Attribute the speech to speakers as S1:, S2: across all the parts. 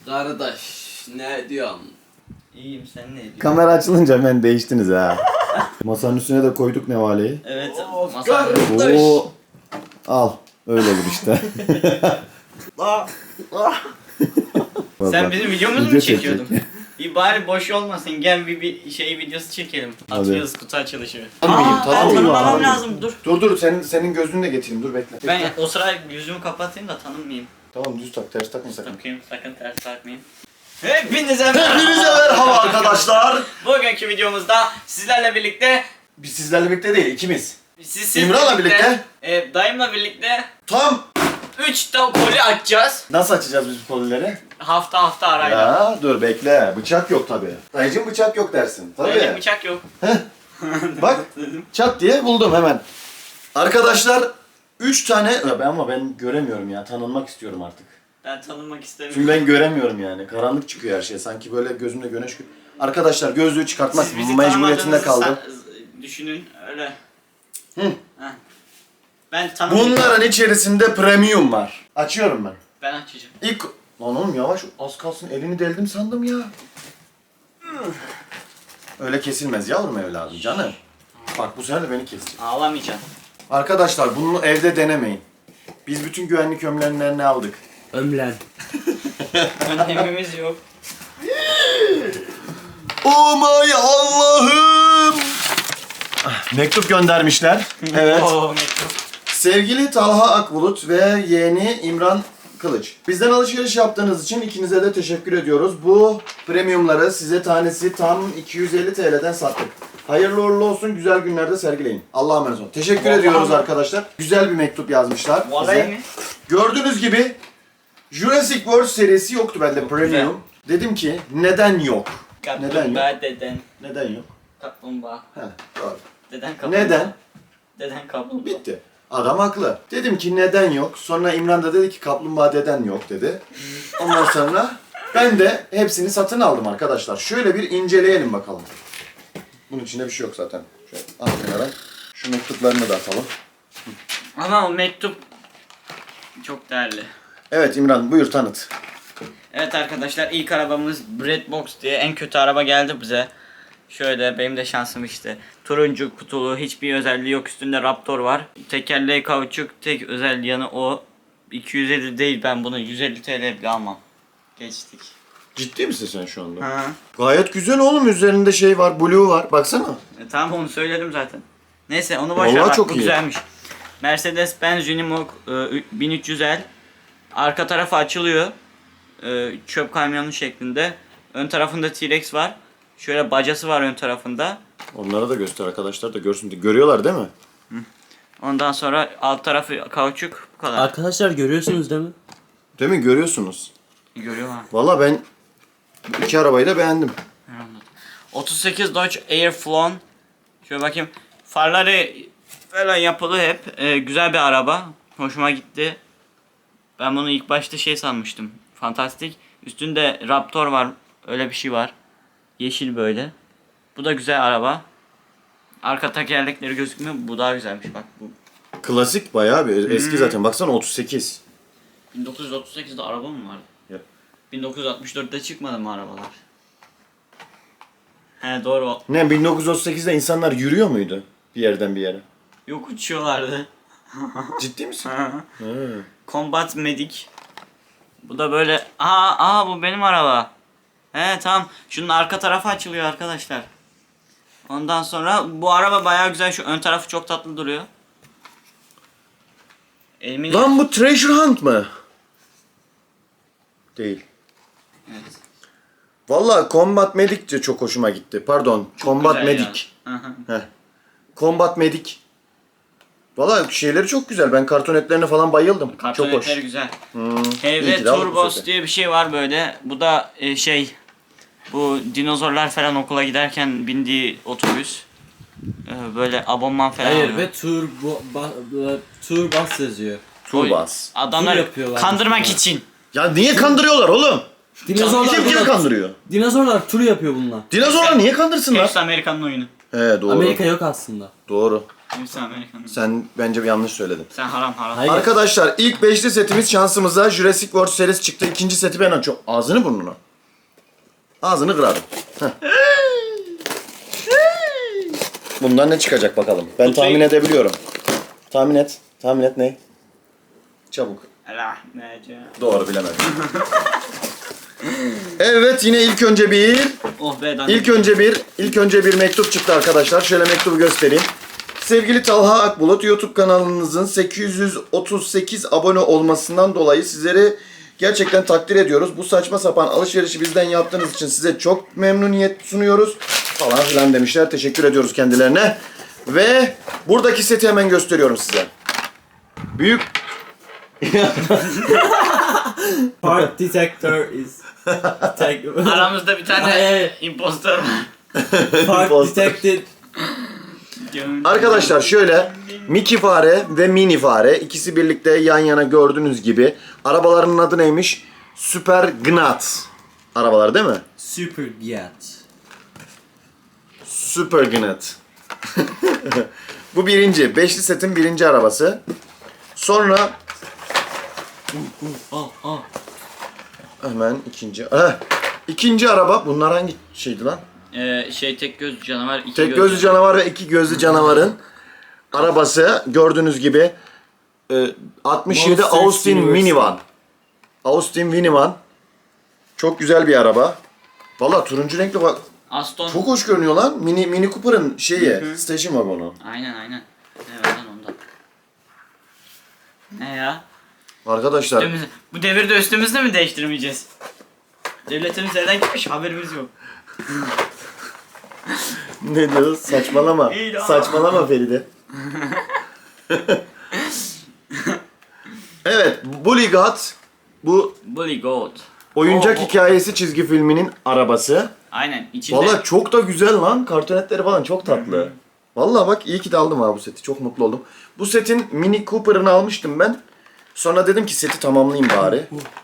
S1: Kardeş ne diyorsun?
S2: İyiyim, sen ne diyorsun?
S3: Kamera açılınca hemen değiştiniz ha. Masanın üstüne de koyduk nevaleyi.
S2: Evet.
S1: Kardeş.
S3: Oo. Al. Öyle olur işte.
S2: Sen bizim videomuzu
S3: Video
S2: mu çekiyordun?
S3: çekecek.
S2: İyi bari boş olmasın, gel bir şey videosu çekelim.
S3: Hadi.
S2: Atıyoruz kutu açılışı.
S3: Tanımayayım,
S2: Ben
S3: tanımayayım
S2: tanımamam
S3: abi.
S2: lazım, dur.
S3: Dur senin gözünü de getireyim, dur bekle.
S2: Ben o sıra yüzümü kapatayım da tanınmayayım.
S3: Tamam düz tak, ters takma sakın.
S2: Bakayım, sakın ters takmayayım. Hepinize
S3: Hepinize merhaba arkadaşlar.
S2: Bugünkü videomuzda sizlerle birlikte
S3: Biz sizlerle birlikte değil, ikimiz.
S2: siz
S3: İmran'la birlikte.
S2: Dayımla birlikte
S3: Tam
S2: 3 tane koli açacağız.
S3: nasıl açacağız biz bu kolileri?
S2: Hafta arayla.
S3: Ya dur bekle, bıçak yok tabi. Dayıcım bıçak yok dersin.
S2: Öyle
S3: Tabii.
S2: bıçak yok.
S3: Bak çat diye buldum hemen. Arkadaşlar 3 tane ama ben göremiyorum ya, tanınmak istiyorum artık.
S2: Ben tanınmak istemiyorum.
S3: Çünkü ben göremiyorum yani. Karanlık çıkıyor her şey. Sanki böyle gözümde güneş. Arkadaşlar gözlüğü çıkartmak
S2: Siz bizi
S3: mecburiyetinde kaldım.
S2: Düşünün öyle.
S3: Hı.
S2: Heh. Ben tanımıyorum.
S3: Bunların içerisinde premium var. Açıyorum ben.
S2: Ben açacağım.
S3: İlk... Lan oğlum yavaş, az kalsın elini deldim sandım ya. Öyle kesilmez yavrum evladım canım. Bak bu sefer de beni kesecek.
S2: Ağlamayacaksın.
S3: Arkadaşlar bunu evde denemeyin. Biz bütün güvenlik önlemlerini aldık.
S1: Ömlen.
S2: Önlemimiz yok.
S3: Oh my Allah'ım! Mektup göndermişler. Evet.
S2: Oo, mektup.
S3: Sevgili Talha Akbulut ve yeğeni İmran Kılıç. Bizden alışveriş yaptığınız için ikinize de teşekkür ediyoruz. Bu premiumları size tanesi tam 250 TL'den sattık. Hayırlı uğurlu olsun, güzel günlerde sergileyin. Allah'a emanet olun. Teşekkür
S2: Vallahi
S3: ediyoruz
S2: mi?
S3: arkadaşlar. Güzel bir mektup yazmışlar
S2: Vallahi
S3: bize.
S2: mi?
S3: Gördüğünüz gibi Jurassic World serisi yoktu bende
S2: Çok
S3: premium. Dedim ki neden yok? Neden yok?
S2: Kaplumbağa deden.
S3: Neden yok?
S2: Kaplumbağa.
S3: Heh, doğru.
S2: Deden kaplumbağa.
S3: Neden?
S2: Deden kaplumbağa.
S3: Bitti. Adam haklı. Dedim ki neden yok? Sonra İmran da dedi ki kaplumbağa deden yok dedi. Ondan sonra ben de hepsini satın aldım arkadaşlar. Şöyle bir inceleyelim bakalım. Bunun içinde bir şey yok zaten. Şöyle al kenara. Şu mektuplarını da atalım.
S2: Ama o mektup çok değerli.
S3: Evet İmran buyur tanıt.
S2: Evet arkadaşlar, ilk arabamız Breadbox diye en kötü araba geldi bize. Şöyle benim de şansım işte. Turuncu kutulu, hiçbir özelliği yok, üstünde Raptor var. Tekerleği kauçuk, tek özel yanı o. 250 değil, ben bunu 150 TL bile almam. Geçtik.
S3: Ciddi misin sen şu anda?
S2: Ha.
S3: Gayet güzel oğlum, üzerinde şey var, blue var. Baksana.
S2: Tamam, onu söyledim zaten. Neyse onu boş
S3: Vallahi
S2: ver, bak
S3: çok
S2: bu
S3: iyi.
S2: güzelmiş. Mercedes-Benz Unimog 1300L. Arka tarafı açılıyor. Çöp kamyonu şeklinde. Ön tarafında T-Rex var. Şöyle bacası var ön tarafında.
S3: Onlara da göster arkadaşlar da görsün. Görüyorlar değil mi?
S2: Ondan sonra alt tarafı kauçuk, bu kadar.
S1: Arkadaşlar görüyorsunuz değil mi?
S3: Değil mi? Görüyorsunuz.
S2: Görüyorlar.
S3: Valla ben iki arabayı da beğendim.
S2: 38 Dodge Airflown. Şöyle bakayım. Farları falan yapılı hep. Güzel bir araba. Hoşuma gitti. Ben bunu ilk başta şey sanmıştım. Fantastik. Üstünde Raptor var. Öyle bir şey var. Yeşil böyle. Bu da güzel araba. Arka tekerlekleri gözükmüyor. Bu daha güzelmiş bak. Bu
S3: Klasik bayağı bir eski zaten. Baksana 38.
S2: 1938'de araba mı vardı?
S3: Yok.
S2: 1964'te çıkmadı mı arabalar? He doğru.
S3: Ne 1938'de insanlar yürüyor muydu bir yerden bir yere?
S2: Yok, uçuyorlardı.
S3: Ciddi misin?
S2: Combat Medic. Bu da böyle. Bu benim araba. He tamam. Şunun arka tarafı açılıyor arkadaşlar. Ondan sonra bu araba bayağı güzel. Şu ön tarafı çok tatlı duruyor. Elimin...
S3: Lan bu Treasure Hunt mı? Değil.
S2: Evet.
S3: Valla Combat Medic de çok hoşuma gitti. Pardon. Combat
S2: Güzel
S3: Medic.
S2: ya. Hı hı.
S3: Heh. Combat Medic. Valla şeyleri çok güzel. Ben kartonetlerine falan bayıldım. çok hoş.
S2: Kartonetleri güzel.
S3: iyi
S2: HV
S3: ki de aldık bu
S2: Turbos
S3: sefer.
S2: diye bir şey var böyle. Bu da bu dinozorlar falan okula giderken bindiği otobüs. Böyle abonman falan
S1: Hayır
S2: alıyor.
S1: ve tur bas yazıyor.
S3: Turbas.
S2: Adamlar
S1: Tur yapıyorlar
S2: kandırmak
S1: aslında.
S2: için.
S3: Ya niye kandırıyorlar oğlum?
S1: Dinozorlar
S3: Kim
S1: bunlar-
S3: kandırıyor?
S1: Dinozorlar tur yapıyor bunlar.
S3: Dinozorlar niye kandırsınlar?
S2: Hepsi Amerikan'ın oyunu.
S3: He doğru.
S1: Amerika yok aslında.
S3: Doğru.
S2: Hepsi Amerikan.
S3: Sen bence bir yanlış söyledin.
S2: Sen haram haram.
S1: Hayır.
S3: Arkadaşlar ilk beşli setimiz şansımıza Jurassic World serisi çıktı. İkinci seti ben açıyorum. Ağzını burnunu. Ağzını kırarım. Heh. Bundan ne çıkacak bakalım. Ben tahmin edebiliyorum. Tahmin et. Tahmin et ne? Çabuk.
S2: Rahmece.
S3: Doğru bilemedim. Evet yine ilk önce bir
S2: Oh be dandik.
S3: İlk önce bir mektup çıktı arkadaşlar. Şöyle mektubu göstereyim. Sevgili Talha Akbulut, YouTube kanalınızın 838 abone olmasından dolayı sizleri gerçekten takdir ediyoruz. Bu saçma sapan alışverişi bizden yaptığınız için size çok memnuniyet sunuyoruz. Falan filan demişler. Teşekkür ediyoruz kendilerine. Ve buradaki seti hemen gösteriyorum size. Büyük
S1: Part detector is...
S2: Aramızda bir tane
S1: Hayır.
S2: impostor var.
S1: Part
S3: Imposter.
S1: detected.
S3: Arkadaşlar şöyle Mickey fare ve Mini fare ikisi birlikte yan yana gördüğünüz gibi arabalarının adı neymiş? Super Gnat arabalar değil mi?
S1: Super Giat.
S3: Super Gnat. Bu birinci. Beşli setin birinci arabası. Sonra hemen ikinci. İkinci araba. Bunlar hangi şeydi lan?
S2: Tek göz canavar, iki
S3: Tek gözlü canavar ve iki gözlü canavarın arabası gördüğünüz gibi 67
S1: Monsters
S3: Austin
S1: University.
S3: Minivan. Austin Minivan. Çok güzel bir araba. Valla turuncu renkli bak.
S2: Aston.
S3: Çok hoş görünüyor lan. Mini Cooper'ın şeyi. Station wagonu.
S2: Aynen. Evet lan ondan. Ne ya?
S3: Arkadaşlar
S2: Bu devirde üstümüzde mi değiştirmeyeceğiz? Devletimiz nereden gitmiş haberimiz yok.
S3: ne diyoruz? Saçmalama.
S2: İyi lan.
S3: Saçmalama Feride. Evet, Bully God bu
S2: Bully Goat.
S3: oyuncak hikayesi çizgi filminin arabası.
S2: Aynen içinde.
S3: Valla çok da güzel lan. Kartonetleri falan çok tatlı. Valla bak iyi ki de aldım ha bu seti. Çok mutlu oldum. Bu setin Mini Cooper'ını almıştım ben. Sonra dedim ki seti tamamlayayım bari.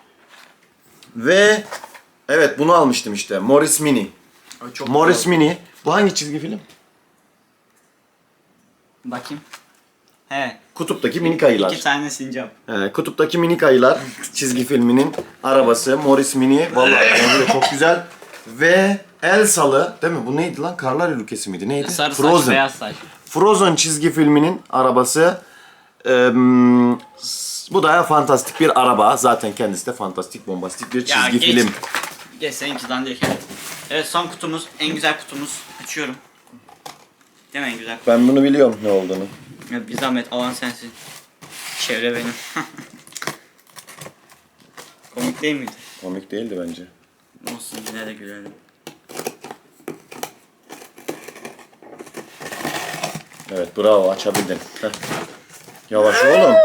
S3: Ve evet bunu almıştım işte. Morris Mini.
S2: Çok
S3: Morris Mini. Bu hangi çizgi film?
S2: Bakayım. He.
S3: Kutuptaki minik ayılar.
S2: 2 tane sincap.
S3: Kutuptaki minik ayılar çizgi filminin arabası Morris Mini. Vallahi bence de çok güzel. Ve Elsa'lı değil mi? Bu neydi lan? Karlar ülkesi miydi? Neydi?
S2: Sarı saç,
S3: Frozen.
S2: beyaz saç.
S3: Frozen çizgi filminin arabası. Bu da fantastik bir araba. Zaten kendisi de fantastik, bombastik bir çizgi
S2: geç.
S3: film.
S2: Geç seninki dandik. Evet son kutumuz. En güzel kutumuz. Açıyorum. Değil mi en güzel?
S3: Ben bunu biliyorum ne olduğunu.
S2: Ya bir zahmet alan sensin. Çevre benim. Komik değil miydi?
S3: Komik değildi bence.
S2: Olsun yine de gülerim.
S3: Evet bravo açabildin. Heh. Yavaş oğlum.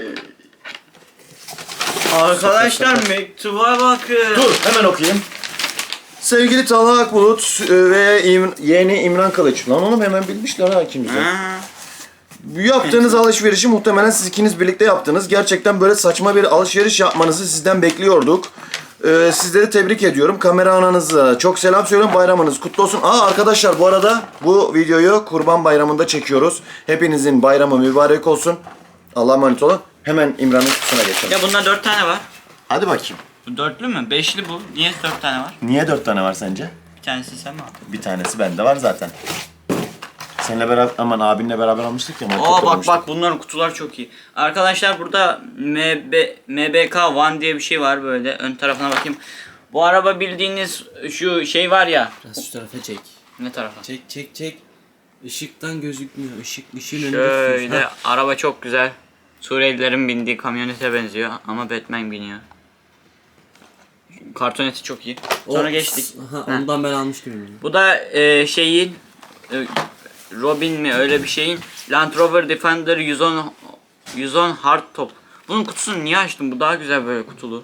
S2: Arkadaşlar mektuba bakın.
S3: Dur hemen okuyayım. Sevgili Talha Akbulut ve yeğeni İmran Kılıç. Lan oğlum hemen bilmişler ha ikimiz de.
S2: Ha.
S3: Yaptığınız alışverişi muhtemelen siz ikiniz birlikte yaptınız. Gerçekten böyle saçma bir alışveriş yapmanızı sizden bekliyorduk. Sizleri tebrik ediyorum. Kamera ananıza çok selam söylüyorum. Bayramınız kutlu olsun. Arkadaşlar bu arada bu videoyu Kurban Bayramı'nda çekiyoruz. Hepinizin bayramı mübarek olsun. Allah'a emanet olun. Hemen İmran'ın kutusuna geçelim.
S2: Ya bunda 4 tane var.
S3: Hadi bakayım.
S2: Bu dörtlü mü? Beşli bu. Niye 4 tane var?
S3: Niye 4 tane var sence?
S2: Bir tanesi sen mi aldın?
S3: Bir tanesi bende var zaten. Seninle beraber, aman abinle beraber almıştık ya.
S2: Bak bunların kutular çok iyi. Arkadaşlar burada MBK One diye bir şey var böyle. Ön tarafına bakayım. Bu araba bildiğiniz şu şey var ya.
S1: Biraz şu tarafa çek.
S2: Ne tarafa?
S1: Çek. Işıktan gözükmüyor. Işığın önünde
S2: Şöyle
S1: tutuyorsun. Ha.
S2: araba çok güzel. Suriyelilerin bindiği kamyonete benziyor ama Batman biniyor. Kartoneti çok iyi. Sonra geçtik.
S1: Aha,
S2: Heh.
S1: ondan ben almıştım. Yani.
S2: Bu da şeyin Robin mi öyle bir şeyin Land Rover Defender 110 hardtop. Bunun kutusunu niye açtım? Bu daha güzel böyle kutulu.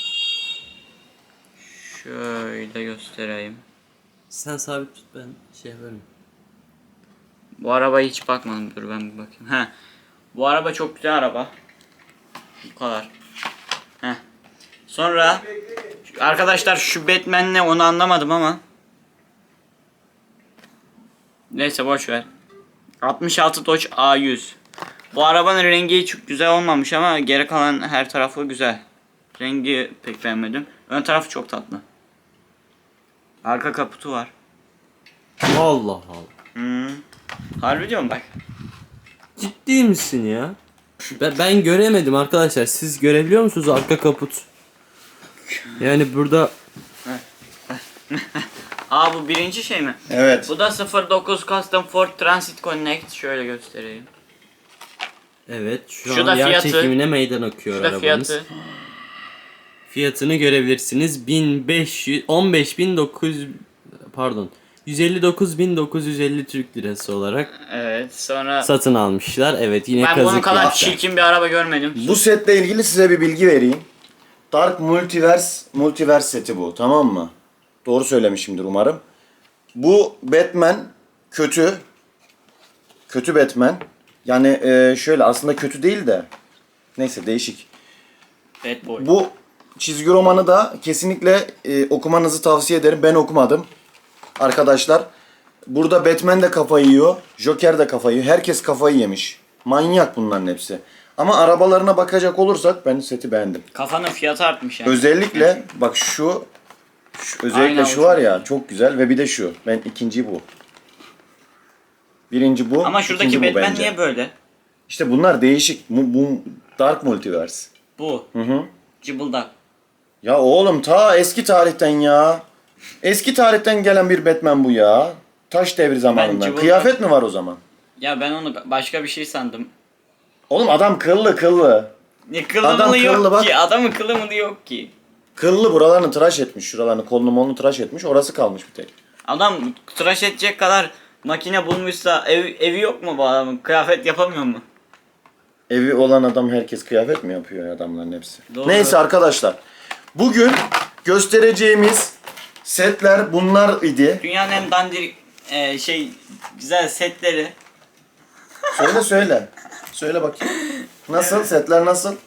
S2: Şöyle göstereyim.
S1: Sen sabit tut ben şey yaparım.
S2: Bu arabaya hiç bakmadım. Dur ben bir bakayım. He. Bu araba çok güzel araba. Bu kadar. Heh. Sonra arkadaşlar şu Batman ne onu anlamadım ama. Neyse boş ver. 66 Dodge A100. Bu arabanın rengi çok güzel olmamış ama geri kalan her tarafı güzel. Rengi pek beğenmedim. Ön tarafı çok tatlı. Arka kaputu var.
S1: Allah Allah.
S2: Harbi diyorum bak.
S1: Ciddi misin ya? Ben göremedim arkadaşlar. Siz görebiliyor musunuz arka kaput? Yani burada
S2: Aa bu birinci şey mi?
S3: Evet.
S2: Bu da 09 Custom Ford Transit Connect. Şöyle göstereyim.
S1: evet şu
S2: Şu
S1: an
S2: da
S1: yer
S2: fiyatı.
S1: çekimine meydan okuyor
S2: Şu da
S1: arabanız.
S2: fiyatı.
S1: Fiyatını görebilirsiniz. 15.900 pardon 159.950 Türk lirası olarak
S2: Evet sonra
S1: satın almışlar. Evet yine
S2: ben bunun
S1: kazık
S2: kadar
S1: yaptı.
S2: çirkin bir araba görmedim.
S3: Bu setle ilgili size bir bilgi vereyim. Dark Multiverse seti bu, tamam mı? Doğru söylemişimdir umarım. Bu Batman kötü. Kötü Batman. Yani şöyle aslında kötü değil de. Neyse değişik.
S2: Bad Boy.
S3: Bu çizgi romanı da kesinlikle okumanızı tavsiye ederim. Ben okumadım. Arkadaşlar. Burada Batman de kafayı yiyor. Joker de kafayı yiyor. Herkes kafayı yemiş. Manyak bunların hepsi. Ama arabalarına bakacak olursak ben seti beğendim.
S2: Kafanın fiyatı artmış yani.
S3: Özellikle bak özellikle
S2: Aynen,
S3: şu
S2: o
S3: var
S2: çok
S3: ya çok güzel ve bir de şu. Ben ikinci bu. Birinci bu.
S2: Ama şuradaki
S3: ikinci bu
S2: Batman
S3: bence.
S2: niye böyle?
S3: İşte bunlar değişik. Bu Dark Multiverse.
S2: Bu.
S3: Hı hı.
S2: Cıbıldak.
S3: Ya oğlum ta eski tarihten ya. Eski tarihten gelen bir Batman bu ya. Taş devri zamanından.
S2: cıvıldak-
S3: Kıyafet mi var o zaman?
S2: Ya ben onu başka bir şey sandım.
S3: Oğlum adam kıllı.
S2: Ne kılı
S3: Adam
S2: mılı yok
S3: kıllı bak.
S2: ki. Adamın kılı mılı yok ki.
S3: Kıllı buralarını tıraş etmiş. Şuralarını kolunu molunu tıraş etmiş. Orası kalmış bir tek.
S2: Adam tıraş edecek kadar makine bulmuşsa evi yok mu bu adamın? Kıyafet yapamıyor mu?
S3: Evi olan adam herkes kıyafet mi yapıyor adamların hepsi?
S2: Doğru.
S3: Neyse arkadaşlar. Bugün göstereceğimiz setler bunlar idi.
S2: Dünyanın en dandirik güzel setleri.
S3: Söyle. Söyle bakayım. Nasıl? Setler nasıl?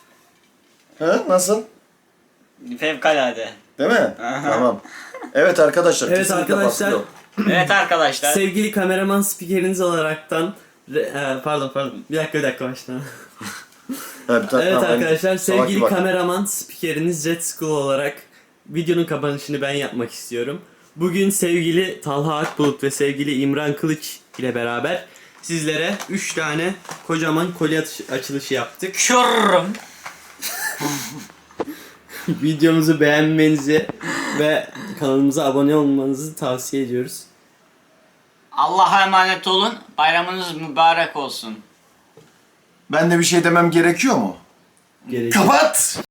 S3: Hı? Nasıl?
S2: Fevkalade.
S3: Değil mi? Tamam. Evet arkadaşlar.
S1: Evet
S3: kesinlikle
S1: arkadaşlar.
S3: baskı yok.
S2: Evet arkadaşlar.
S1: Sevgili kameraman spikeriniz olaraktan pardon bir dakika baştan.
S3: Evet,
S1: Evet
S3: tamam,
S1: arkadaşlar sevgili
S3: bak.
S1: kameraman spikeriniz Red School olarak videonun kapanışını ben yapmak istiyorum. Bugün sevgili Talha Akbulut ve sevgili İmran Kılıç ile beraber sizlere 3 tane kocaman kolye açılışı yaptık.
S2: Şurrum.
S1: Videomuzu beğenmenizi ve kanalımıza abone olmanızı tavsiye ediyoruz.
S2: Allah'a emanet olun. Bayramınız mübarek olsun.
S3: Ben de bir şey demem gerekiyor mu?
S1: Gerekiyor.
S3: Kapat!